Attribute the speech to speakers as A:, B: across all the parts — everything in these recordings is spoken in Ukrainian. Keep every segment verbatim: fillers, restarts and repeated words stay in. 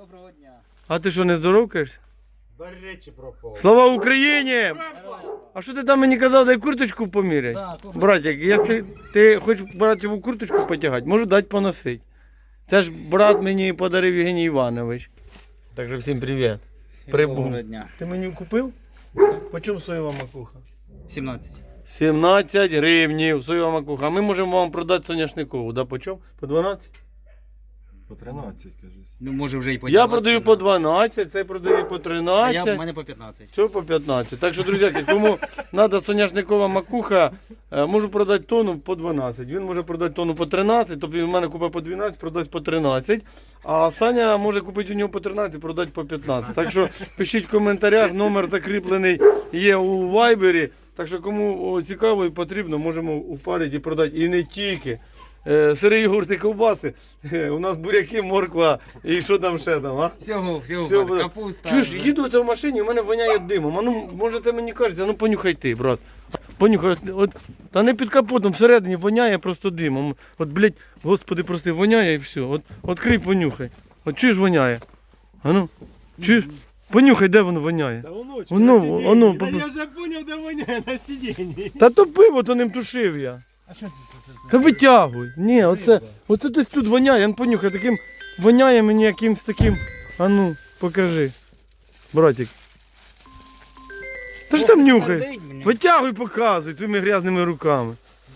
A: Доброго дня.
B: А ти що, не здоровкаєш?
C: До речі пропав.
B: Слава Україні! А що ти там мені казав, дай курточку поміряй?
A: Да, курточку.
B: Братик, якщо ти хочеш братіву курточку потягати, можу дати поносити. Це ж брат мені подарив Євгеній Іванович. Так що всім привіт. Прибув.
A: Доброго дня.
B: Ти мені купив? По чому соєва макуха?
A: сімнадцять.
B: сімнадцять гривнів соєва макуха. А ми можемо вам продати соняшникову. Да, по чому? По дванадцять?
C: По тринадцять, кажись.
A: Ну, може вже і по
B: Я продаю по дванадцять, цей продає по
A: А я, в
B: тринадцять.
A: мене по п'ятнадцять.
B: Все по п'ятнадцять. Так що, друзі, кому треба соняшникова макуха, е, можу продати тонну по дванадцять. Він може продати тонну по тринадцять, тобто він в мене купить по дванадцять, продасть по тринадцять. А Саня може купити у нього по тринадцять, продати по п'ятнадцять. Так що пишіть в коментарях, номер закріплений є у Вайбері. Так що кому о, цікаво і потрібно, можемо упарити і продати. І не тільки. Е, Сирі йогурти, ковбаси, е, у нас буряки, морква і що там ще там, а?
A: Всього, всього,
B: Всього
A: бар,
B: буде.
A: капуста.
B: Чуєш, їду оце в машині, у мене воняє димом. А ну, може ти мені кажете, а ну понюхай ти, брат. Понюхай, от, от, та не під капотом, всередині воняє просто димом. От, блядь, господи, прости, воняє і все. От, відкрий, понюхай. От чуєш, воняє? А ну, чуєш? Понюхай, де воно воняє.
C: Та воно, чи
B: Воно,
C: на сидінні?
B: воно,
C: Та
B: попро-
C: я вже поняв, де воняє на сидінні.
B: Та то пиво, то ним тушив я.
A: А що це?
B: Та витягуй. Ні, оце, оце десь тут воняє, ну понюхай, таким воняє мені якимсь таким. А ну, покажи. Братик. Та ж там нюхай. Витягуй, показуй цими грязними руками.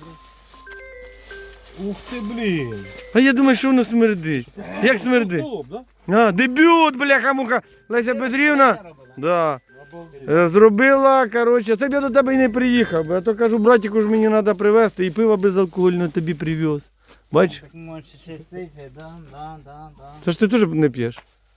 C: Ух ти, блін.
B: А я думаю, що воно смердить. Як смердить?
C: Столоб, да?
B: А, дебют, бляха-муха. Леся Петрівна. Да.
C: Обалдеть.
B: Е, Зробила, коротше, це б я до тебе і не приїхав, бо я то кажу, братику ж мені треба привезти, і пиво безалкогольне тобі привез. Бач?
A: Так може ще це, да, да, да, да.
B: Це ж ти теж не п'єш.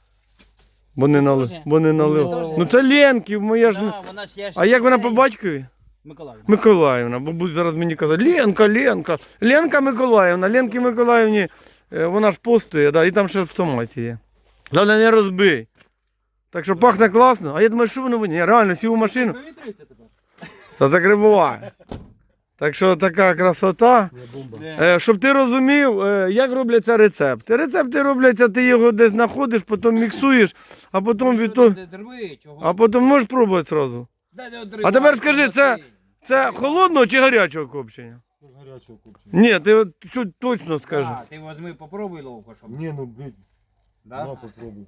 B: Бо не, нали...
A: Теж.
B: Бо не налив.
A: Теж.
B: Ну це Ленків, моя ж.
A: Да, вона ж я ж
B: А як вона по
A: цей-
B: батькові?
A: Миколаївна.
B: Миколаївна, бо будуть зараз мені казати, Ленка, Ленка, Ленка Миколаївна, Ленки Миколаївні, е, вона ж постує, да, і там ще в томаті є. Головне не розбий. Так що пахне класно, а я думаю, що воно воняє. Реально, сів у машину,
C: Провітриться тепер.
B: та закрибуває. Так що така красота.
C: Я бомба.
B: Е, щоб ти розумів, е, як робляться рецепти. Рецепти робляться, ти його десь знаходиш, потім міксуєш, а потім від того. А потім можеш пробувати одразу. А тепер скажи, це- Це холодного чи гарячого копчення?
C: Гарячого купчення.
B: Ні, ти от чуть точно скажи.
A: А, ти возьми, попробуй ловко, щоб.
C: Ні, ну, блін.
A: Да?
C: На, попробуй.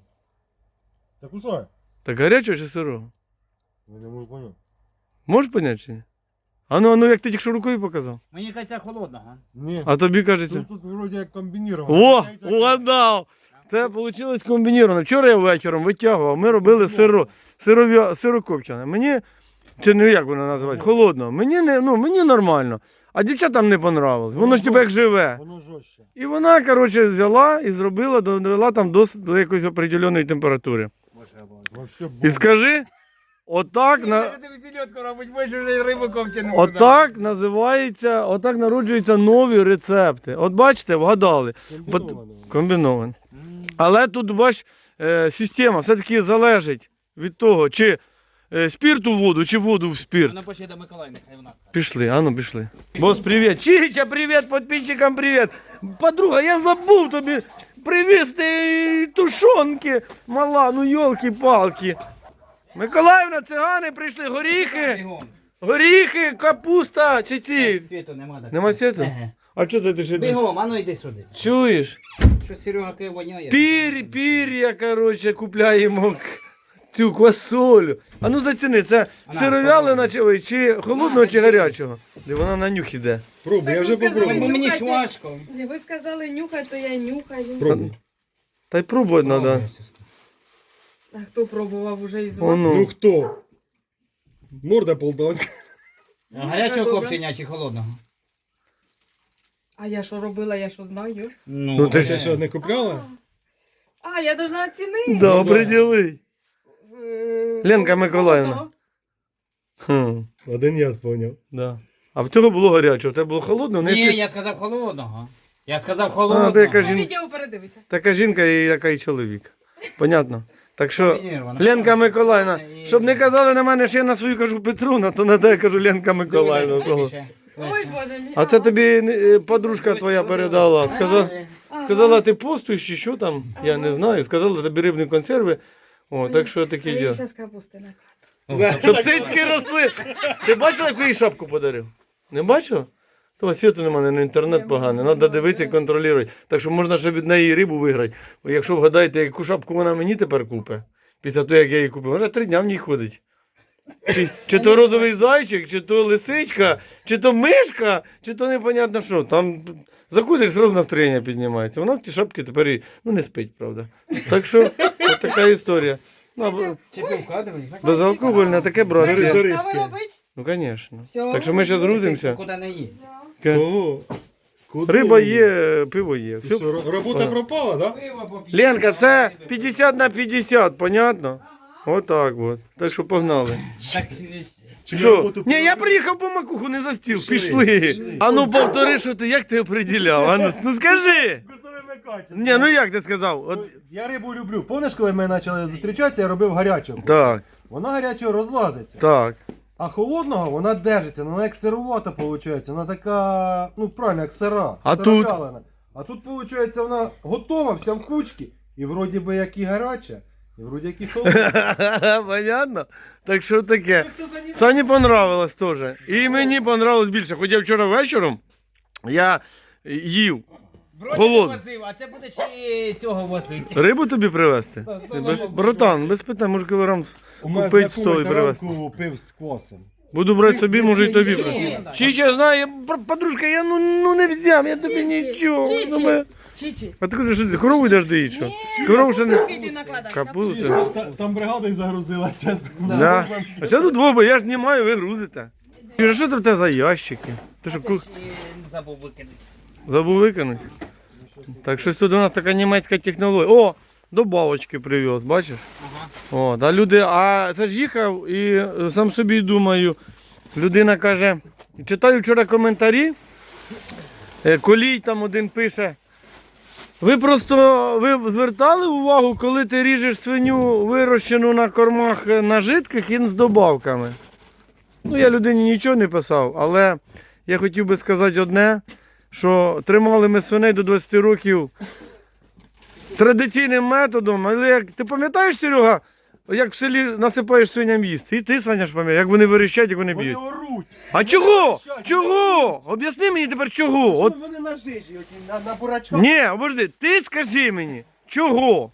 C: Так кусай.
B: Так гарячого чи сирого?
C: Я не можу поняти.
B: Можеш поняти чи ні? А ну, а ну як ти тільки що рукою показав?
A: Мені кажеться холодного.
C: Ні.
B: А тобі кажеться.
C: Тут, тут вроді як комбініровано.
B: О, угадав! Це вийшло комбініровано. Вчора я вечором витягував, ми робили сиро, сиров'я, сирокопчене. Мені, чи не як воно називається, холодно. Мені, не, ну, мені нормально. А дівчатам не понравилось. Воно ж тебе як живе.
C: Воно жорстче.
B: І вона, коротше, взяла і зробила, довела там до, до якоїсь определеної температури.
C: Вообще
B: І
C: бомба.
B: скажи, отак, на,
A: Ти селедку робить, більше вже рибу ковчену.
B: отак називається, отак народжуються нові рецепти. От бачите, вгадали.
C: Комбіновано.
B: Комбінован. Але тут, бач, е, система все-таки залежить від того, чи е, спірт у воду, чи воду в спірт.
A: Вона пошли до Миколаївни, хай вона.
B: Пішли, а ну пішли. Бос, привіт. Чича, привіт, підписчикам привіт. Подруга, я забув тобі привезти тушонки. Мала, ну йолки-палки. Миколаївна, цигани прийшли, горіхи,
A: Бігом.
B: горіхи, капуста, чи ці.
A: Світу нема. так.
B: Нема світу?
A: Еге.
B: А чого ти ще?
A: Бігом, а ну йди сюди.
B: Чуєш?
A: Що Серега кає воняє?
B: Пір, пір'я, коротше, купляємо к- цю квасолю. А ну заціни, це
A: Ана,
B: сировялина чи, ой, чи холодного,
A: На,
B: чи
A: держи.
B: гарячого? Де вона на нюх іде.
C: Пробуй, я
D: Так
C: вже
D: ви сказали,
C: попробую.
A: Бо мені ж
D: Нюхайте.
A: важко.
D: Ви сказали нюхай, то я нюхаю.
C: Пробуй.
B: Та й пробувати треба.
D: А хто пробував уже із вас?
C: Ну
B: Воно.
C: хто? Морда полтавська.
A: А гарячого
D: Добре.
A: копчення чи холодного?
D: А я що робила, я що знаю?
B: Ну, ти
C: Ти
B: ж-
C: що, не купляла?
D: А, я должна оцінити.
B: Да, оприділи.
D: Е,
B: Ленка Миколаївна.
D: холодного.
B: Хм,
C: Один я споняв.
B: да. А в цього було гарячого, в тебе було холодного? Не
A: Ні,
B: ти-
A: я сказав холодного. Я сказав
B: А,
A: холодного.
B: ти яка
D: Ну,
B: жін...
D: відео передивися.
B: така жінка і яка і чоловік. Понятно? Так що,
A: Комбініровано.
B: Ленка Миколаївна,
A: І-
B: щоб не казали на мене, що я на свою кажу Петруна, то на те я кажу Ленка Миколаївна.
A: Дивись,
B: того.
A: ще.
D: Ой, Боже мій.
B: А це тобі е, подружка твоя передала. Сказала,
D: А,
B: Сказала, ти постуєш чи що там, я не знаю. Сказала, тобі рибні консерви. О, так що
D: А
B: таке
D: я
B: діло.
D: зараз капусти накладу.
B: Щоб цицьки росли. Ти бачила, яку їй шапку подарив? Не бачила? То світу немає, на інтернет поганий. Треба дивитися і контролювати. Так що можна ще від неї рибу виграти. Бо якщо вгадаєте, яку шапку вона мені тепер купить, після того, як я її купив, вона три дня в ній ходить. Чи, чи то розовий зайчик, чи то лисичка, чи то мишка, чи то непонятно що. Там заходиш, зразу настроєння піднімається. Вона в ті шапки тепер і, ну, не спить, правда. Так що, от така історія. Ну, або-
A: Чи пивка, давай.
B: безалкогольне таке брати.
C: Бери, бери.
D: Кави робить?
B: Ну, звісно.
D: Всьо.
B: Так що ми зараз грузимося.
A: Куди не їдь.
C: Кого? Куди?
B: Риба є, пиво є.
C: Ти
B: Все.
C: що, ро- робота пропала, да?
A: Пиво поп'ємо.
B: Ленка, це п'ятдесят на п'ятдесят, понятно? Отак от. Так що погнали.
A: Так,
C: Чи
B: Що?
C: роботу
B: Ні, я
C: пропала?
B: приїхав по макуху, не за стіл.
C: Пішли,
B: Пішли.
C: пішли.
B: А ну повтори, що ти, як ти оприділяв? А ну, ну скажи.
C: Вкусовими качествами.
B: Ні, ну як ти сказав? От,
C: Я рибу люблю. Помниш, коли ми почали зустрічатися, я робив гарячого.
B: так,
C: Вона гарячого розлазиться.
B: так.
C: А холодного вона держиться, ну, вона як сировата виходить, вона така, ну правильно, як сира.
B: А
C: сирокалена. А тут, виходить, вона готова, вся в кучці. І вроді би як і гаряча, і вроді як і холодна.
B: Понятно? Так що таке.
C: Як це за ні-
B: Сані понравилось теж. І мені понравилось більше. Хоча вчора вечором я їв.
A: вроді
B: Холодно.
A: не возив, а це буде ще й цього возити.
B: Рибу тобі привезти?
A: Та, та,
B: Без,
A: та,
B: братан, без питань, може кілограм с-
C: У мене
B: купити сто і
C: знайомий
B: привезти.
C: таранку пив з квасом.
B: Буду брати собі, може і тобі
C: Чичі.
B: привезти. Чича, знаю, я, бр- подружка, я ну, ну не взяв, я тобі
D: Чичі,
B: нічого.
D: Чичі.
B: Ну, ми-
D: Чичі.
B: А ти куди що ти, корову йдеш доїть, що?
D: Ні,
B: Корову ще не...
D: капусточки йди накладай.
B: Капусту?
C: Там, та- там бригада їх загрузила, чесно.
B: Да. А це тут двоє, я ж не маю, ви грузите. Юра, що це в тебе за ящики? Ти що, ку...
A: Ще забув викинути.
B: забув викинути? Так щось тут у нас така німецька технологія. О, добавочки привез, бачиш?
A: Ага.
B: О, та люди, а це ж їхав і е, сам собі думаю, людина каже, читаю вчора коментарі, е, Колій там один пише, ви просто ви звертали увагу, коли ти ріжеш свиню вирощену на кормах е, на жидких і з добавками? Ну, я людині нічого не писав, але я хотів би сказати одне, що тримали ми свиней до двадцяти років традиційним методом, але як ти пам'ятаєш, Серега, як в селі насипаєш свиням їсти? І ти, Саня, ж пам'ятаєш, як вони верещать, як вони
C: Вони
B: б'ють.
C: оруть.
B: А чого?
C: верещать,
B: Чого? Об'ясни мені тепер чого. От...
C: Вони на жижі, оті, на, на бурачках.
B: Ні, обожди, ти скажи мені, чого?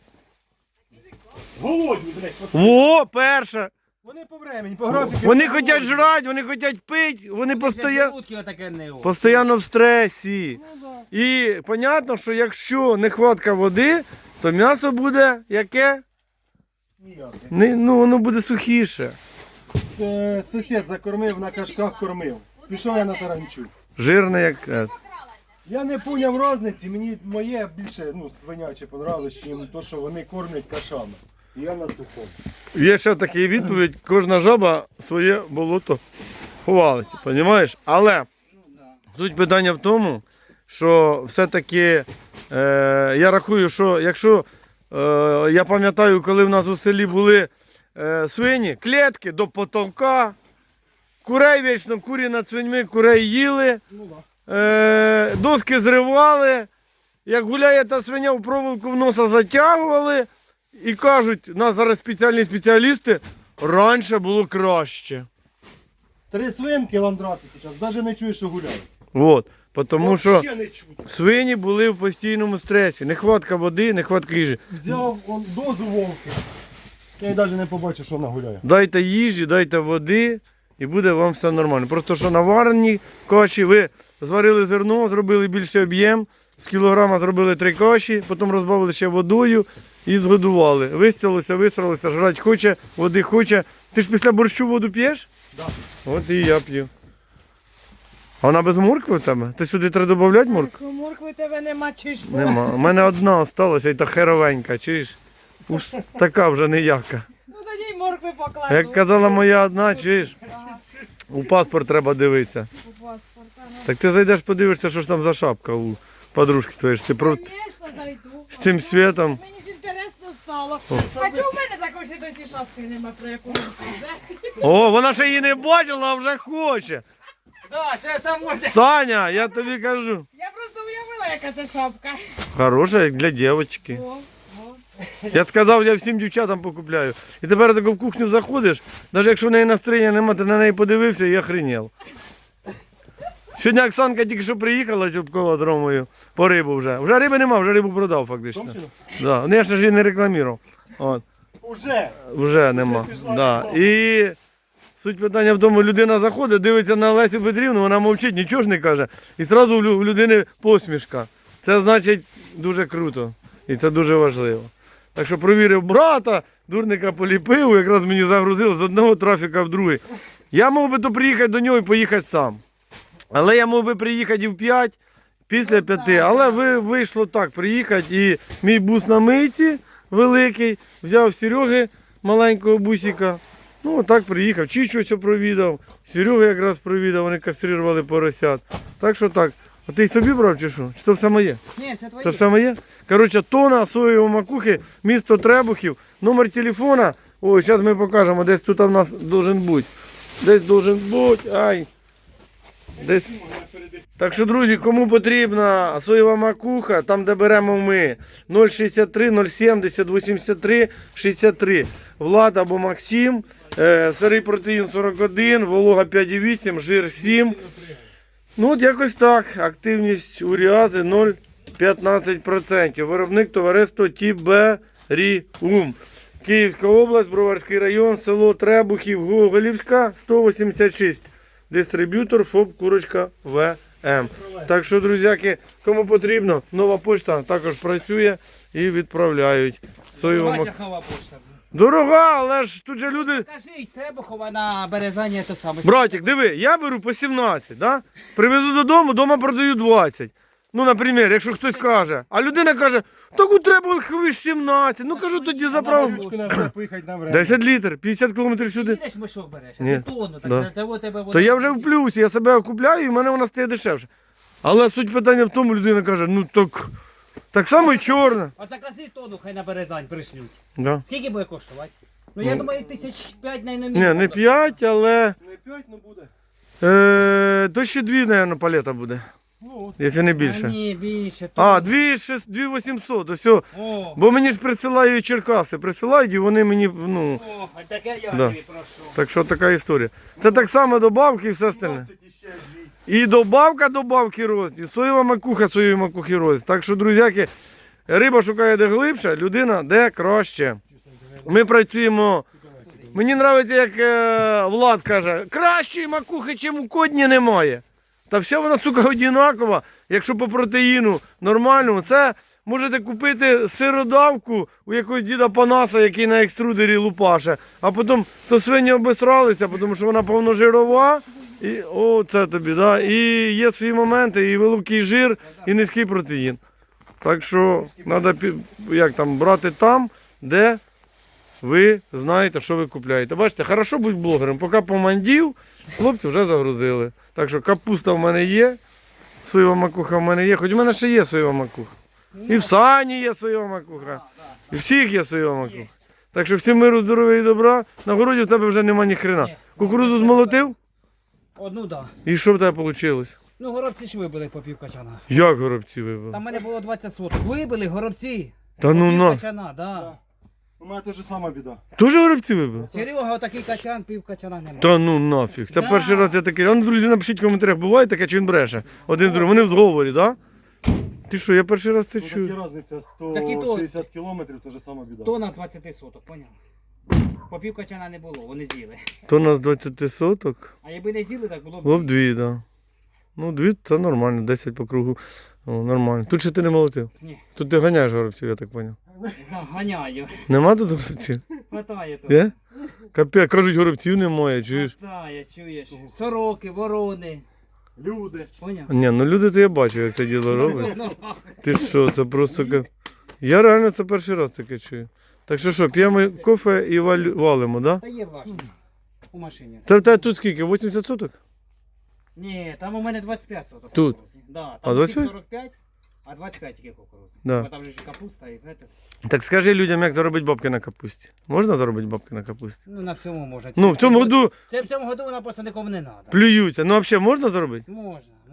C: Голодні, блядь, пос-
B: Во, перше.
C: Вони по времені, по графіку.
B: Вони
C: голодні.
B: хочуть жрати, вони хочуть пити, вони постійно...
A: Желудки отаке не о.
B: Постоянно в стресі. І понятно, що якщо нехватка води, то м'ясо буде яке?
C: Ніяке.
B: Не, ну, воно буде сухіше.
C: Е, Сусід закормив, на кашках кормив. Пішов я на таранчу.
B: Жирне як. е.
C: Я не поняв різниці, мені моє більше ну, свиняче понравилось, ніж то, що вони кормлять кашами. І я на сухому.
B: Є ще така відповідь, кожна жаба своє болото ховалить, розумієш? Але суть питання в тому, що все-таки е, я рахую, що якщо е, я пам'ятаю, коли в нас у селі були е, свині, клітки до потолка, курей вічно, курі над свиньми, курей їли,
C: Ну да.
B: е, доски зривали, як гуляє та свиня, в проволоку в носа затягували і кажуть, у нас зараз спеціальні спеціалісти, раніше було краще.
C: Три свинки ландрати зараз, навіть не чуєш, що гуляють.
B: От, тому що
C: Ще не чути.
B: свині були в постійному стресі. Нехватка води, нехватка їжі.
C: Взяв он, дозу вовки. Я й навіть не побачив, що вона гуляє.
B: Дайте їжі, дайте води і буде вам все нормально. Просто що на вареній каші ви зварили зерно, зробили більший об'єм, з кілограма зробили три каші, потім розбавили ще водою і згодували. Вистялося, висралося, жрати хоче, води хоче. Ти ж після борщу воду п'єш?
C: Да.
B: От і я п'ю. А вона без моркви в тебе? Ти сюди треба додати моркву?
D: Що моркви тебе нема, чи що?
B: Нема. У мене одна осталася і та херовенька, чуєш? Уж така вже ніяка.
D: Ну тоді й моркви покладу.
B: Як казала моя одна, чуєш? У паспорт треба дивитися.
D: У паспорта, ну.
B: Так ти зайдеш, подивишся, що ж там за шапка у подружки твоєї. ж Ти про...
D: Конечно, зайду.
B: з цим світом.
D: Мені ж інтересно стало. А чому в мене такої ще досі шапки нема, про яку ви кажете?
B: О, вона ще її не бачила, а вже хоче.
A: Да, ще там може.
B: Саня, я тобі кажу.
D: Я просто уявила, поняла, яка це шапка?
B: Хороша, як для дівчинки.
D: О, о.
B: Я сказав, я всім дівчатам покупляю. І тепер тако в кухню заходиш, навіть якщо в неї настроєння немає, ти на неї подивився і охренів. Сьогодні Оксанка тільки що приїхала, щоб коло з Ромою, по рибу вже. Вже риби нема, вже рибу продав фактично.
C: Томчину?
B: Да. Ну, я ж її не рекламував. От.
C: Уже.
B: Вже нема.
C: пішла
B: Да.
C: реклама.
B: І суть питання в тому, людина заходить, дивиться на Лесю Петрівну, вона мовчить, нічого ж не каже. І одразу в лю- в людини посмішка. Це значить дуже круто. І це дуже важливо. Так що провірив брата, дурника поліпив, якраз мені загрузили з одного трафіка в другий. Я мав би то приїхати до нього і поїхати сам. Але я мав би приїхати і в п'ять, після п'яти. Але ви, вийшло так, приїхати. І мій бус на мийці великий, взяв Сереги маленького бусика. Ну, отак приїхав. Чічу все провідав, Серегу якраз провідав, вони кастрирували поросят. Так що так. А ти й собі брав чи що? Чи то все моє?
A: Ні, це твої.
B: Це все моє? Коротше, тона соєвої макухи, місто Требухів, номер телефона. Ой, зараз ми покажемо, десь тут у нас должен бути. Десь должен бути, ай. Десь. Так що, друзі, кому потрібна соєва макуха, там де беремо ми нуль шістдесят три нуль сімдесят вісімдесят три шістдесят три. Влад або Максим, е, сирий протеїн сорок один, волога п'ять і вісім, жир сім. Ну от якось так. Активність уріази нуль п'ятнадцять відсотків. Виробник товариство Тіберіум. Київська область, Броварський район, село Требухів, Гоголівська, сто вісімдесят шість. Дистриб'ютор ФОП Курочка ВМ. Так що, друзяки, кому потрібно, нова почта також працює і відправляють. Соєву мак-
A: Ваша нова почта.
B: Дорога, але ж тут же люди...
A: Кажи, з Требухова на Березані те саме.
B: Братик, диви, я беру по сімнадцять, да? Привезу додому, вдома продаю двадцять. Ну, наприклад, якщо хтось каже. А людина каже, так у треба хвиш сімнадцять. Ну, кажу, тоді заправ.
C: Ручку на все поїхати на время.
B: десять літрів, п'ятдесят кілометрів сюди.
A: Їдеш мішок береш, а
B: Ні.
A: ти тонну, так
B: Да.
A: для того тебе
B: То я вже в плюсі, я себе окупляю і в мене вона стає дешевше. Але суть питання в тому, людина каже, ну так, так само і чорна.
A: А закази тонну, хай на Березань пришлють.
B: Да.
A: Скільки буде коштувати? Ну, я
B: Ну.
A: думаю, тисяч п'ять на
B: Ні, не п'ять, але
C: Не п'ять, ну буде.
B: е, то ще дві, мабуть, палета буде,
C: Ну от.
B: якщо не більше.
A: Ні, більше.
B: А, дві вісімсот, ось. о.
A: О,
B: Бо мені ж присилають Черкаси, присилають і вони мені, ну,
A: о, а таке я
B: Да.
A: тобі прошу.
B: так що така історія. Це так само добавки і все остальне.
C: двадцять і ще дві.
B: І добавка добавки рост, і соєва макуха, соєві макухи рост. Так що, друзяки, риба шукає де глибше, людина де краще. Ми працюємо. Мені подобається, як е, Влад каже, кращої макухи, чим у кодні немає. Та вся вона, сука, одинакова. Якщо по протеїну нормальному, це можете купити сиродавку у якогось діда Панаса, який на екструдері лупаше, а потім то свині обесралися, тому що вона повножирова. І, о, це тобі, да? І є свої моменти, і великий жир, і низький протеїн. Так що треба як там, брати там, де ви знаєте, що ви купляєте. Бачите, хорошо бути блогером. Поки помандів, хлопці вже загрузили. Так що капуста в мене є, соєва макуха в мене є, хоч в мене ще є соєва макуха. І в Сані є соєва макуха. І всіх є соєва макуха. Так що всім миру, здоров'я і добра. На городі в тебе вже нема ні хрена. Кукурудзу змолотив?
A: Одну, да.
B: І що в тебе вийшло?
A: Ну, горобці ж вибили по пів качана.
B: Як горобці вибили?
A: Там в мене було двадцять соток. Вибили горобці.
B: Та ну
A: По пів
B: на.
A: качана, да.
C: У мене те ж сама біда.
B: Теж горобці вибили?
A: Серега, отакий качан, пів качана немає.
B: Та ну нафіг. Це
A: Да.
B: перший раз я такий. А ну, друзі, напишіть в коментарях, буває таке, чи він бреше? Один другий. Вони в зговорі, так? Да? Ти що, я перший раз це
C: Тут
B: чую.
C: такі різниця
A: Так і то.
C: сто шістдесят кілометрів, те ж сама біда.
A: То на двадцять соток, поняв? По пів качана не було, вони з'їли.
B: То на двадцять соток.
A: А якби не з'їли, так було б.
B: Було б дві, так. Да. Ну, дві це нормально, десять по кругу. О, нормально. Тут ще ти не молотив.
A: Ні,
B: Тут ти ганяєш горобців, я так зрозумів.
A: да, ганяю.
B: Нема тут горобців?
A: Хватає тут.
B: Є? Капець, кажуть, горобців немає, чуєш?
A: Хватає, чуєш. Сороки, ворони.
C: Люди.
A: Поняв?
B: Ні, ну люди, то я бачу, як це діло робить. Ти що, це просто... ка- Я реально це перший раз таке чую. Так що що, п'ємо кофе і валь- валимо, так? Да?
A: Та є влажно. У машині.
B: Та в тебе тут скільки? вісімдесят соток?
A: Ні, там у мене двадцять п'ять соток.
B: Тут?
A: кукурудзи. Да,
B: А,
A: там
B: двадцять
A: всіх
B: п'ять?
A: сорок п'ять, а двадцять п'ять тільки кукурудзи.
B: Да.
A: Бо там же ж і капуста і этот.
B: Так скажи людям, як заробити бабки на капусті. Можна заробити бабки на капусті?
A: Ну на всьому можна.
B: Ну, в цьому году
A: Це в цьому году вона просто нікому не треба.
B: плюються. Ну, взагалі можна заробити?
A: Можна, можна.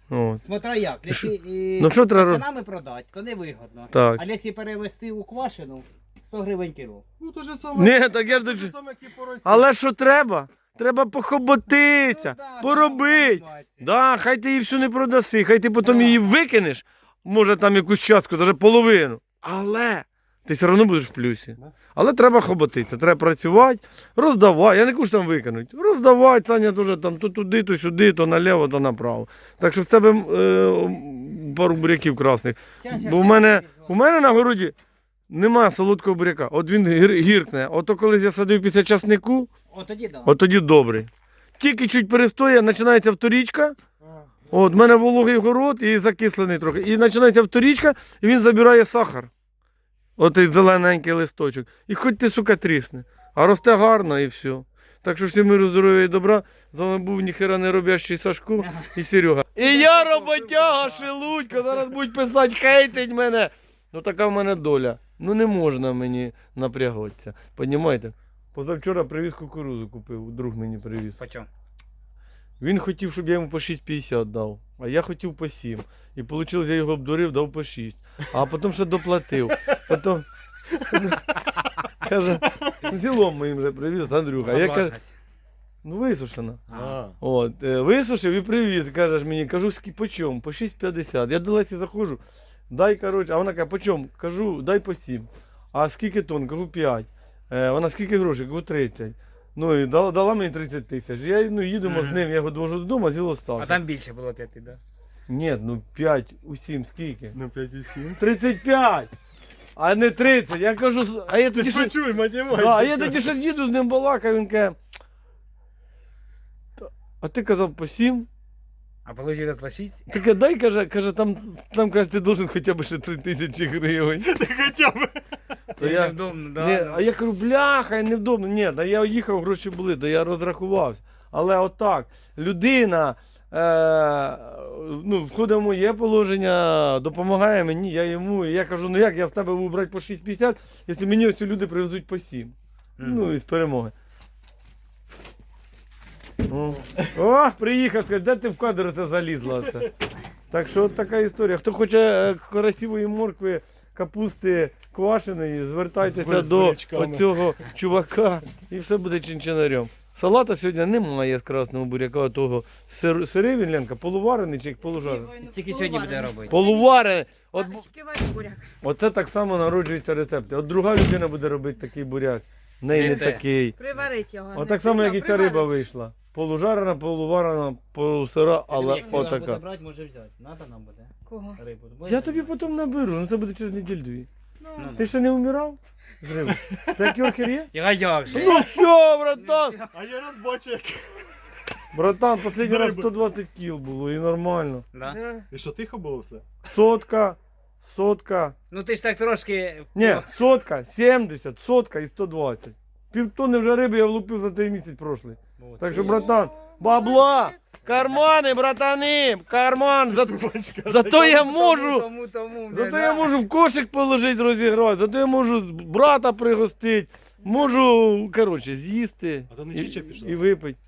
B: От.
A: Смотря як, якщо і
B: Ну, що треба ро-
A: качанами продати, то не вигодно.
B: Так.
A: А якщо перевести у квашену, сто гривень кіло.
C: Ну то же саме.
B: Ні, так я ж
C: те
B: до-
C: же саме, як і по Росії.
B: Але що треба? Треба похоботитися,
A: Ну, да,
B: поробити.
A: да,
B: Да, хай ти її всю не продаси, хай ти потім
A: Да.
B: її викинеш, може там якусь частку, навіть половину. Але ти все одно будеш в плюсі.
C: Да.
B: Але треба хоботитися, треба працювати, роздавати. Я не кажу, що там викинуть. Роздавати, Саня теж там то туди, то сюди, то наліво, то направо. Так що в тебе е, пару буряків красних.
A: Щас, щас,
B: Бо в
A: щас,
B: мене,
A: щас,
B: у мене на городі немає солодкого буряка. От він гір, гіркне. Ото коли я садив після часнику,
A: О, тоді да.
B: от тоді добрий. Тільки чуть перестоє, починається вторічка.
C: А,
B: От, в мене вологий город і закислений трохи. І починається вторічка, і він забирає сахар. Отий зелененький листочок. І хоч ти, сука, трісне. А росте гарно і все. Так що всім миру, здоров'я і добра. З вами був ніхера не робящий Сашко і Серега. І я роботяга, шелудько, зараз будуть писати, хейтить мене. Ну така в мене доля. Ну не можна мені напрягатися. Понімаєте? Позавчора привіз кукурузу купив, друг мені привіз.
A: Почем?
B: Він хотів, щоб я йому по шість п'ятдесят дав, а я хотів по сім. І вийшло, я його обдурив, дав по шість. А потім ще доплатив. Потім... Каже, зілом моїм вже привіз, Андрюха. А я кажу, ну висушена.
C: а.
B: От, е, висушив і привіз. Кажеш мені, кажу, «Скі- по чому? По шість п'ятдесят. Я до Лесі заходжу, дай, коротше, а вона каже, по чому? Кажу, дай по сім. А скільки тонн? Кажу, п'ять. Е, вона скільки грошей? Кажу, тридцять. Ну і дала, дала мені тридцять тисяч. Я ну, їдемо з ним, я його довожу додому, а зіло стався.
A: А там більше було п'яти, да?
B: Ні, ну п'ять у сім скільки?
C: Ну п'ять і сім.
B: тридцять п'ять! А не тридцять. Я кажу, с- а я
C: Ти
B: тоді
C: ж
B: ще...
C: чуй, математика.
B: Да, а я тоді ще їду з ним балакав, він каже, «Та- а ти казав по сім?
A: А получилось по шість?
B: Таке, дай, каже, каже, там, там каже, ти должен хоча б ще три тисячі гривень.
C: Хоча б.
B: То я,
A: Невдобно, да.
B: не,
A: ну.
B: а я кажу, бляха, невдобно. Ні, да я їхав, гроші були, да я розрахувався. Але отак, людина е, ну, входить в моє положення, допомагає мені, я йому. І я кажу, ну як я в тебе буду брати по шість п'ятдесят, якщо мені ось ці люди привезуть по сім. Ну і з перемоги. О, О, приїхав, сказав, де ти в кадр це залізла? Це? Так що от така історія. Хто хоче е, красивої моркви, капусти квашеної, звертайтеся
C: З
B: до
C: бурячками.
B: оцього чувака і все буде чинчинарем. Салата сьогодні немає з красного буряка, того сир, сирий він, Ленка, полуварений чи як полужарений?
A: Тільки сьогодні буде робити.
B: Полуварений. От,
D: Шківай буряк.
B: оце так само народжуються рецепти. От друга людина буде робити такий буряк. В неї не
A: Не те.
B: такий.
D: Приварить його.
B: От
D: не
B: так само, як і
D: сильно,
B: ця риба
D: приварить.
B: вийшла. Полужарена, полуварена, полусира, але
A: Якщо вона буде
B: отака.
A: брати, може взяти. Надо нам буде
D: Кого?
A: рибу.
B: Я тобі потім наберу, ну це буде через неділю-дві.
D: Ну,
A: Ну,
B: Ти ще не вмирав? З риби? Ти як Йоркер є?
A: Я як же?
B: Ну все, братан!
C: А я раз бачу, як.
B: Братан, останній
C: З
B: раз
C: риби.
B: сто двадцять кіл було і нормально.
A: Да?
C: І що, тихо було все?
B: Сотка, сотка.
A: Ну ти ж так трошки...
B: Ні, сотка, сімдесят, сотка і сто двадцять. Півтонни вже риби я влупив за той місяць прошлий.
A: От.
B: Так що, братан, бабла, кармани, братани, карман. За... Зато я можу,
A: Тому, тому,
B: зато я можу в кошик положити, розіграти, зато я можу з- брата пригостити, можу, коротше, з'їсти
C: А то не
B: і,
C: Чіча пішла?
B: і випити.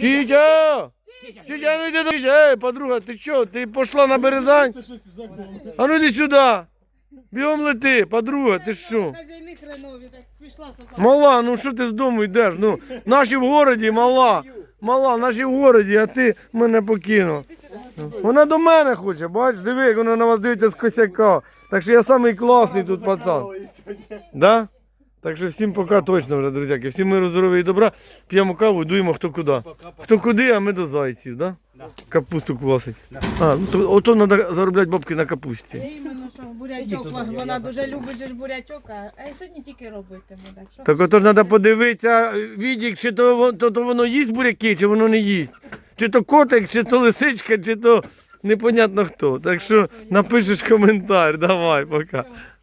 B: Чича! Чича, ну йди до Чича. Ей, подруга, ти що, ти пішла на Березань?
C: Це щось закон.
B: А ну йди сюди. Бігом лети, подруга, ти що?
D: Хазяйни хренові, так пішла собака.
B: Мала, ну що ти з дому йдеш? Ну, наші в городі, мала. Мала, наші в городі, а ти мене покинув. Вона до мене хоче, бачиш, диви, як вона на вас дивиться з косяка. Так що я самий класний тут пацан. Да? Так що всім пока точно вже, друзяки. Всім миру, здоров'я і добра. П'ємо каву, дуємо хто куди. Хто куди, а ми до зайців, да? Капусту квасить. А, ну то, ото треба заробляти бабки на капусті.
D: Іменно, що бурячок, вона дуже любить же ж бурячок, а а я сьогодні тільки робитиму, так що.
B: Так ото ж треба подивитися, відік, чи то, вон- то, то воно їсть буряки, чи воно не їсть. Чи то котик, чи то лисичка, чи то непонятно хто. Так що напишеш коментар, давай, пока.